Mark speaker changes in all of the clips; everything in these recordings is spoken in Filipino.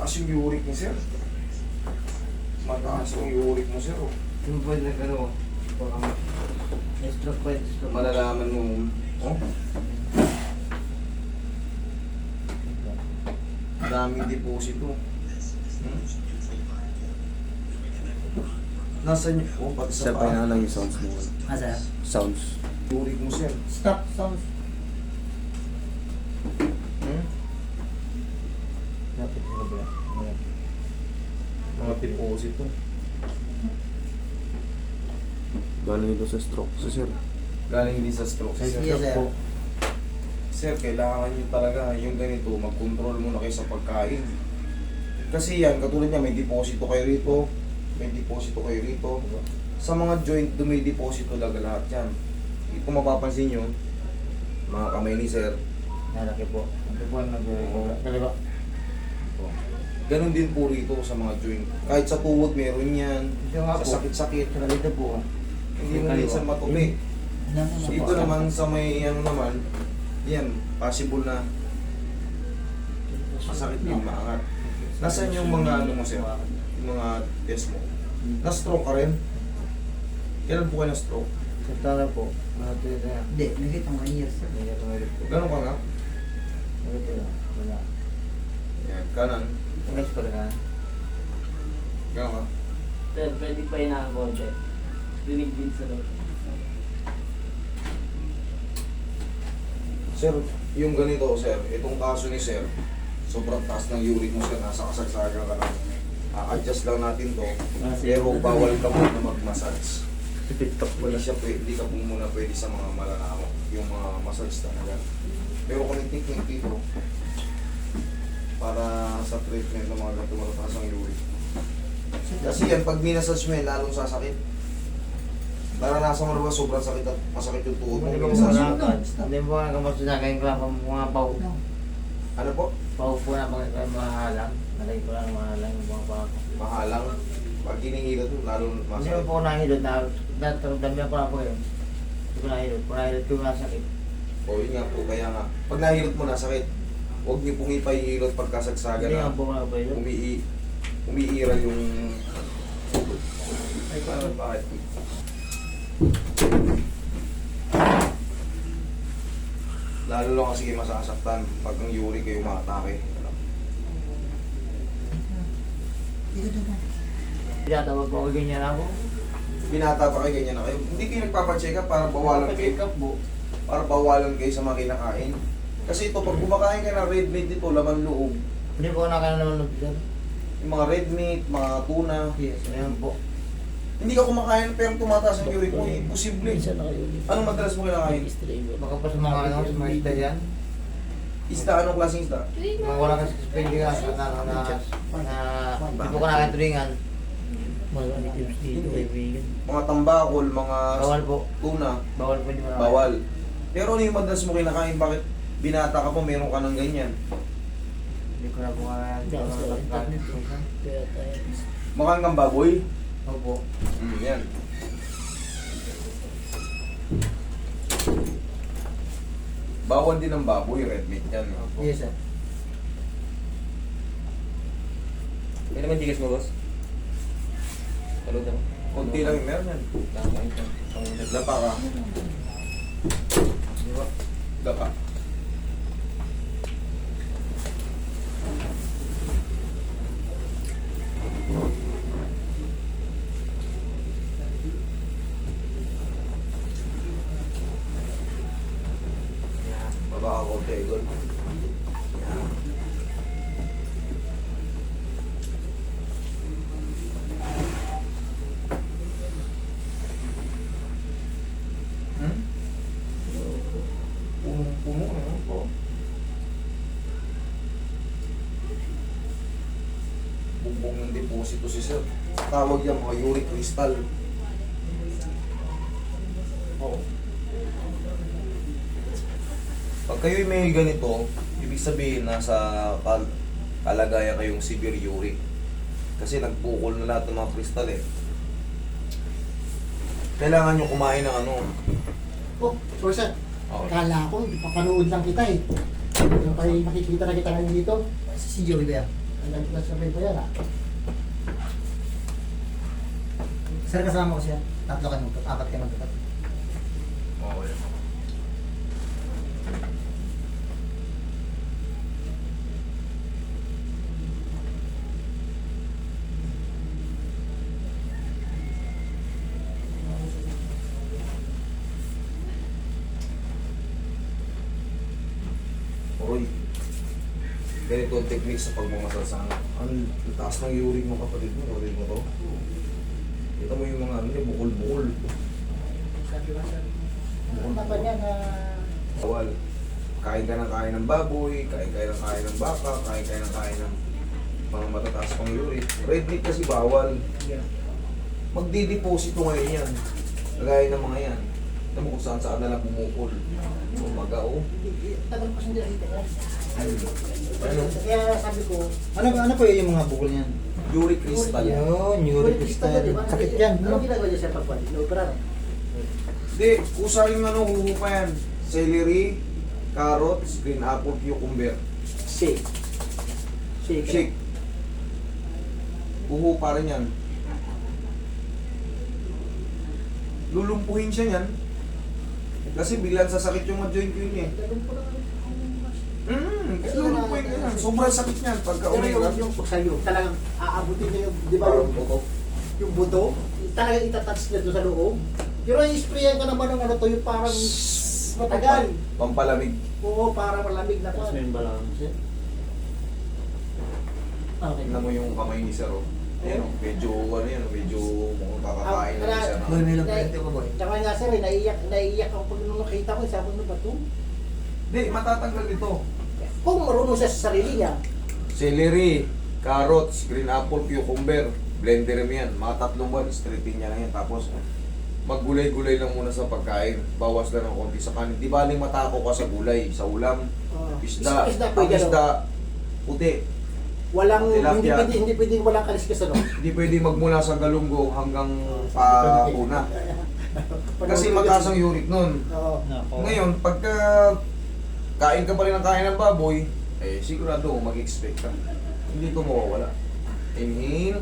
Speaker 1: Mataas yung uric ni sir. Mataas yung uric mo sir. Oh.
Speaker 2: Yung po nag-ano, stroke po, stroke.
Speaker 1: Malalaman mo, oh? Daming deposito. Nasaan yung, oh, pati sa
Speaker 3: Sir, pahinga lang yung sounds mo.
Speaker 2: Sir?
Speaker 3: Sounds.
Speaker 1: uric mo sir.
Speaker 2: Stop, sounds. Lapit mo ba?
Speaker 1: Mga deposito.
Speaker 3: Galing ito sa stroke. So, sir,
Speaker 1: Galing din sa stroke.
Speaker 2: Yes,
Speaker 1: Sir,
Speaker 2: sir.
Speaker 1: po. Sir, kailangan nyo talaga yung ganito, mag-control muna kayo sa pagkain. Kasi yan, katulad niya, may deposito kayo rito, may deposito kayo rito. Sa mga joint, may deposito talaga lahat yan. Kung mapapansin nyo, mga kamay ni sir,
Speaker 2: Nalaki po. Ito po ang nag-kaliwa.
Speaker 1: ganun din po rito sa mga joint. Kahit sa tuhod, meron yan.
Speaker 2: Ito nga po.
Speaker 1: Sa sakit-sakit,
Speaker 2: Saka dito po.
Speaker 1: hindi mo minsan matupi. Dito naman sa may ano naman, yan, possible na masakit din, maangat. Nasaan yung mga ano mo sir? Yung mga test mo? Na-stroke ka rin? Kailan po kayo na-stroke?
Speaker 2: Sa tala po.
Speaker 4: Hindi, nakita mo years.
Speaker 1: Ganun ka nga?
Speaker 2: Wala.
Speaker 1: Yan, kanan.
Speaker 2: Next ko na.
Speaker 1: Ganun ka?
Speaker 5: Sir, pwede pa yun ang konti. Dinig din sa loob.
Speaker 1: Sir, yung ganito sir, itong kaso ni sir, sobrang taas ng uric mo sir, nasa kasagsagan ka na. A-adjust lang natin to, pero bawal ka muna mag-massage.
Speaker 3: TikTok
Speaker 1: Hindi siya pwede, hindi ka po muna pwede sa mga malalamo, yung mga massage talaga. Pero kung may technique dito, para sa treatment ng mga ganito matataas ang uric. Kasi yan, pag minasage mo yan, lalong sasakit. Naranasan mo na ba sobrang sakit at masakit yung tuhod mo?
Speaker 2: Hindi po
Speaker 1: Minasage mo.
Speaker 2: hindi po nga kamusta sa akin ko mga pau.
Speaker 1: Ano po?
Speaker 2: Pau po na mahalang. Nalagay ko lang mahalang yung mga pau.
Speaker 1: Mahalang. Pag hinihilot mo, lalong
Speaker 2: Hindi
Speaker 1: masakit.
Speaker 2: mo po nahilot na dami ako na po yun. Hindi ko nahilot. Kung nahilot ko masakit.
Speaker 1: O yun nga po, kaya nga. Pag nahilot mo, nasakit. Huwag niyo pong ipahihilot pagkasagsagan
Speaker 2: Hindi
Speaker 1: na
Speaker 2: nga po na po yun.
Speaker 1: umiira yung... Ay, paano bakit? Lalo lang kasi kayo masasaktan pag ang uric kayo maatake.
Speaker 2: Tinatawag ko ako ganyan ako.
Speaker 1: Binata pa kayo, ganyan na kayo. Hindi kayo nagpapacheck up para bawalan kayo.
Speaker 2: Check up po.
Speaker 1: Para bawalan kayo sa mga kinakain. Kasi ito, pag kumakain ka ng red meat dito, laman loob.
Speaker 2: Hindi po nakakaya naman sir.
Speaker 1: Yung mga red meat, mga tuna.
Speaker 2: Yes, ayan po.
Speaker 1: Hindi ka kumakain pero tumataas ang uric mo. Imposible. Anong madalas mo kinakain?
Speaker 2: Baka pa sa mga ano, sa mga isda yan.
Speaker 1: Isda, anong klaseng isda?
Speaker 2: Mga wala kasi spending ka hindi po ka nakatulingan.
Speaker 1: Mga tambakol, mga
Speaker 2: Bawal po.
Speaker 1: tuna,
Speaker 2: Bawal po hindi mo na.
Speaker 1: bawal. Pero ano yung madalas mo kinakain? Bakit binata ka pa, meron ka ng ganyan?
Speaker 2: Hindi ko na po nga.
Speaker 1: Makang kang baboy?
Speaker 2: Opo.
Speaker 1: Yan. Bawal din ang baboy, red meat yan.
Speaker 2: Yes sir.
Speaker 3: May naman tigas mo, boss? Talod ako.
Speaker 1: Kunti lang yung meron yan. Dapa ka. Dapa. Baba ka konti, Idol. Yan. Punong-puno, ano po? Bugbong ng deposito si sir. Tawag yan mga uric crystal. Oo. Pag kayo'y may ganito, ibig sabihin nasa kalagayan kayong severe uric. Kasi nagbukol na lahat ng mga kristal eh. Kailangan nyo kumain ng ano.
Speaker 4: Oh, sorry sir.
Speaker 1: Oh.
Speaker 4: Kala ko, papanood lang kita eh. Yung kayo makikita na kita ngayon dito. Si Joey ba yan?
Speaker 2: Nasabay ko yan ah.
Speaker 4: Sir, kasama ko siya. Tatlo kayo, apat kayo magkakat.
Speaker 1: Okay. Oy, ganito ang technique sa pagmamasal sa anak. Ang taas ng uric mo kapatid mo, uric mo to. Kita mo yung mga ano niya, bukol-bukol.
Speaker 2: Sabi ko sir. Ano ba niya na...
Speaker 1: Bawal. Kain ka ng kain ng baboy, kain ka ng kain ng baka, kain ka ng kain ng mga matataas pang uric. Red meat kasi bawal. Magdideposito ngayon yan. Kagaya ng mga yan. Alam mo kung saan saan na lang bumukol. Umaga o.
Speaker 2: Tagal ko hindi nakita yan.
Speaker 1: Ano?
Speaker 2: Kaya sabi ko,
Speaker 4: Ano po yung mga bukol niyan?
Speaker 1: Uric crystal.
Speaker 4: Yun, uric crystal. Sakit yan.
Speaker 2: Ano ginagawa niya siya pagpapal? No-opera.
Speaker 1: Hindi, kusa yung ano, huhupa yan. Celery, carrots, green apple, cucumber.
Speaker 2: Shake. Shake.
Speaker 1: Shake. Huhupa rin yan. Lulumpuhin siya yan. Kasi biglang sasakit yung mga joint ko yun eh. Lulumpuhin ka yan. Sobrang sakit niyan pagka
Speaker 2: Pero
Speaker 1: umiiyak.
Speaker 2: yung sa'yo, talagang aabutin niya yung, di ba
Speaker 1: Parang
Speaker 2: yung,
Speaker 1: buto.
Speaker 2: yung buto, talagang itatouch niya doon sa loob. Pero yung sprayan ka naman ng ano to, yung parang matagal.
Speaker 1: Pampalamig.
Speaker 2: Oo, parang malamig na pa.
Speaker 5: Yun ba lang?
Speaker 2: Okay.
Speaker 1: Tingnan mo yung kamay ni Sir. Oh. Ayan, oh, medyo ano yan, medyo mukhang kakakain na siya. No?
Speaker 4: Boy, may lang kwento ko, boy.
Speaker 2: Tsaka nga sir, naiiyak ako pag nung nakita ko, sabi ko ba ito?
Speaker 1: Hindi, matatanggal ito.
Speaker 2: Kung marunong siya sa sarili niya,
Speaker 1: Celery, carrots, green apple, cucumber, blender mo yan. Mga 3 buwan, stripping niya lang yan. Tapos, maggulay-gulay lang muna sa pagkain. Bawas lang ng konti sa kanin. Di baling matako ka sa gulay, sa ulam, isda.
Speaker 2: isda
Speaker 1: Ang
Speaker 2: pwede,
Speaker 1: isda, puti.
Speaker 2: walang,
Speaker 1: Tilapia.
Speaker 2: hindi pwedeng walang kaliskas ano.
Speaker 1: Hindi pwede magmula sa galunggong hanggang puna. Kasi mataas ang uric nun.
Speaker 2: Oo.
Speaker 1: Ngayon, pagka kain ka pa rin ng kain ng baboy, eh sigurado mag-expect ka. Hindi ito mawawala. Inhale.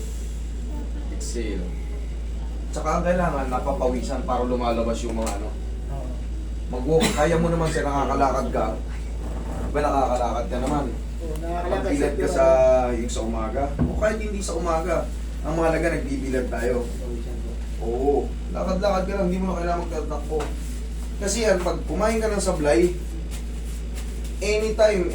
Speaker 1: Exhale. Tsaka ang kailangan, napapawisan para lumalabas yung mga ano. Mag-walk. Kaya mo naman siya, nakakalakad ka. Diba nakakalakad ka naman? Magbilad ka sa yung sa umaga. O kahit hindi sa umaga. Ang mahalaga, nagbibilad tayo. Oo. Lakad-lakad ka lang, hindi mo na kailangan magtatakbo. Kasi yan, pag kumain ka ng sablay, anytime,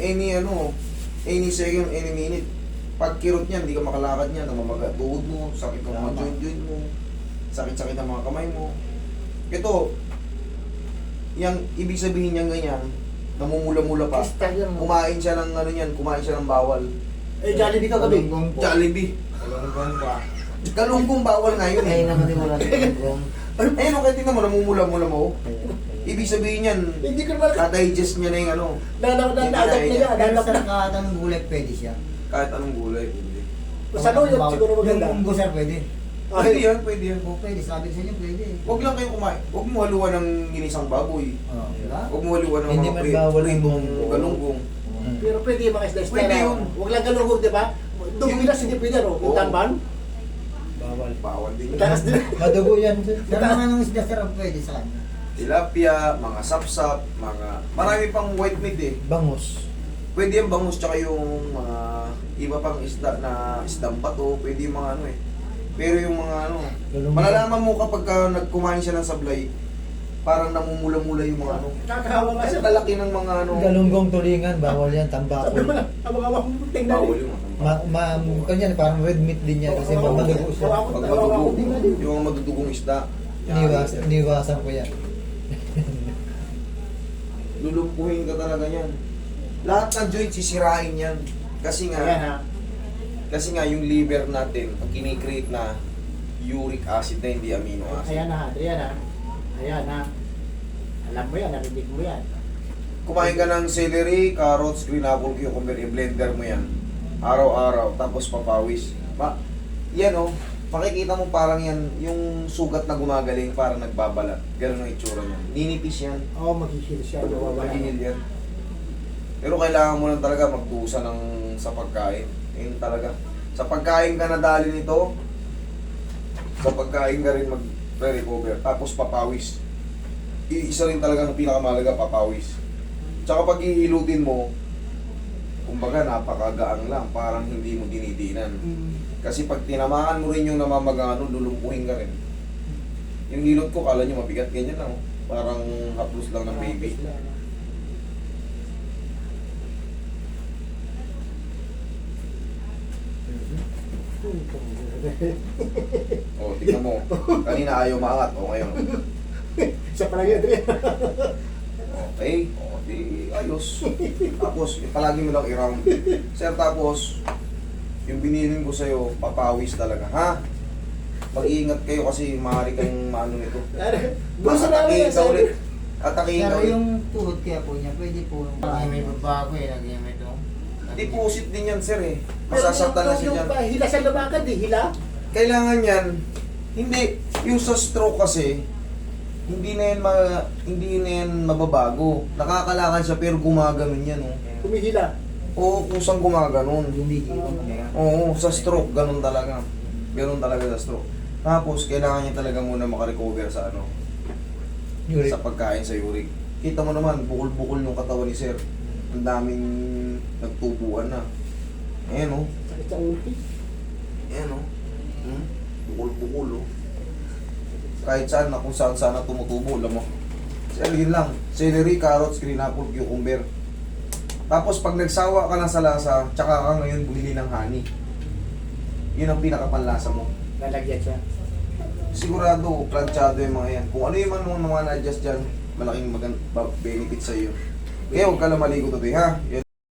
Speaker 1: any second, any minute, pag kirot niyan, hindi ka makalakad niyan, namamaga tuhod mo, sakit ng mga joint mo, sakit-sakit ng mga kamay mo. Ito, yung ibig sabihin niyan ganyan, namumula-mula pa. Kumain siya ng ano niyan, kumain siya ng bawal.
Speaker 2: Eh, Jollibee ka gabi.
Speaker 1: Jollibee. Galunggong bawal nga yun eh.
Speaker 4: Kaya naman din wala ng
Speaker 1: Ayun, kaya tingnan mo, namumula-mula mo. Ibig sabihin niyan,
Speaker 2: Hindi ko naman,
Speaker 1: ka-digest niya na yung ano,
Speaker 2: dadagdag na yan,
Speaker 4: Pero sa
Speaker 2: dadagdag.
Speaker 4: nakakatang gulay, pwede siya.
Speaker 1: kahit anong gulay. Pwede.
Speaker 2: Sa luyot, siguro maganda.
Speaker 4: Yung munggo, sir, pwede.
Speaker 1: Pwede yan, pwede yan.
Speaker 4: O, pwede. Sabi ko sa inyo, pwede.
Speaker 1: Huwag lang kayo kumain. Huwag mo haluan ng ginisang baboy.
Speaker 4: Oh, diba?
Speaker 1: Huwag mo haluan ng
Speaker 4: Hindi
Speaker 1: mga
Speaker 4: man bawal ang
Speaker 1: pritong
Speaker 4: munggo.
Speaker 1: galunggong.
Speaker 2: Pero pwede yung mga isda-isda
Speaker 1: Pwede
Speaker 2: na.
Speaker 1: yun.
Speaker 2: Huwag lang galungog, di ba? Dumilas, hindi pwede, no? Yung
Speaker 1: Oo.
Speaker 2: tamban.
Speaker 4: Bawal.
Speaker 1: Bawal din yun.
Speaker 2: Takas din.
Speaker 4: Madugo yan, sir. Pero mga nung isda, sir, ang pwede sa kanya.
Speaker 1: Tilapia, mga sapsap, mga... Marami pang white meat eh.
Speaker 4: Bangus.
Speaker 1: Pwede yung bangus tsaka yung mga iba pang isda na isdang bato. Pwede yung mga ano eh. Pero yung mga ano... Malalaman mo kapag nagkumain siya ng sablay, parang namumula-mula yung mga ano.
Speaker 2: Kakahawa nga
Speaker 1: Kasi
Speaker 2: siya.
Speaker 1: lalaki ng mga ano...
Speaker 4: Galunggong tulingan, bawal yan,
Speaker 2: Sabi
Speaker 4: tambakol.
Speaker 2: mo na, abang-abang tingnan.
Speaker 1: Bawal yung
Speaker 4: Kanyan, parang red meat din yan kasi madugo siya.
Speaker 1: Pag madugo, yung mga madudugong isda.
Speaker 4: Iniwasan ko yan.
Speaker 1: Lulumpuhin ka talaga yan. Lahat ng joint sisirain yan. Kasi
Speaker 2: Ayan
Speaker 1: nga,
Speaker 2: ha.
Speaker 1: kasi nga yung liver natin, kinikreate na uric acid na hindi amino acid.
Speaker 2: Ayan ha, ayan ha. Ayan ha. Alam mo yan, narinig mo yan.
Speaker 1: Kumain ka ng celery, carrots, green apple, cucumber, i-blender mo yan. Araw-araw, tapos papawis. Yan oh, makikita mo parang yan, yung sugat na gumagaling, parang nagbabalat. Ganun ang itsura niyan. Ninipis yan.
Speaker 2: Oo, maghihil siya. Nawawala.
Speaker 1: Magigil yan. Pero kailangan mo lang talaga magdusa ng sa pagkain. Ayun talaga. Sa pagkain ka nadali nito, sa pagkain ka rin mag-recover. Tapos papawis. Isa rin talaga ng pinakamalaga, papawis. Tsaka pag iilutin mo, kumbaga napakagaang lang, parang hindi mo dinidinan. Kasi pag tinamaan mo rin yung namamagano, lulumpuhin ka rin. Yung hilot ko, kala nyo mabigat, ganyan lang. Oh. Parang haplos lang ng baby. O, tignan mo. Kanina ayaw maangat. O, ngayon.
Speaker 2: Siya pala yun, Adrian.
Speaker 1: Okay. O, di ayos. Tapos, palagi mo lang i-round. Sir, tapos, yung binilin ko sa'yo, papawis talaga, ha? Mag-iingat kayo kasi maaari kayong maano nito.
Speaker 2: Gusto namin yan,
Speaker 1: Atakihin ka
Speaker 2: sir.
Speaker 1: ulit. Atakihin ka
Speaker 4: Pero
Speaker 1: ulit.
Speaker 4: yung tuhod kaya po niya, pwede po. May babago eh, lagi may ito.
Speaker 1: Deposit din yan, sir, eh.
Speaker 2: Pero
Speaker 1: Masasaktan na siya
Speaker 2: yung
Speaker 1: dyan.
Speaker 2: hila siya lumakad eh, hila.
Speaker 1: Kailangan yan, hindi, yung sa stroke kasi, hindi na yan mababago. Nakakalakad siya pero gumaganon yan, oh.
Speaker 2: Humihila.
Speaker 1: Oo, kusang gumaganon.
Speaker 4: Gumigilong kaya.
Speaker 1: Oo, sa stroke, ganun talaga. Ganun talaga sa stroke. Tapos, kailangan niya talaga muna makarecover sa ano,
Speaker 3: Uric.
Speaker 1: sa pagkain sa uric. Kita mo naman, bukol-bukol yung katawan ni sir. Ang daming nagtubuan na. Ayan, oh.
Speaker 2: Sakit sa ulti.
Speaker 1: Ayan, oh. Bukol-bukol, oh. Kahit saan na kung saan sana tumutubo, alam mo. Sir, yun lang. Celery, carrots, green apple, cucumber. Tapos pag nagsawa ka na sa lasa, tsaka ka ngayon bumili ng honey. Yun ang pinakapanlasa mo.
Speaker 2: Lalagyan siya.
Speaker 1: Sigurado, planchado yung mga yan. Kung ano yung mga na-adjust dyan, malaking benefit sa iyo. Kaya huwag ka lang maligo today, ha? Yan.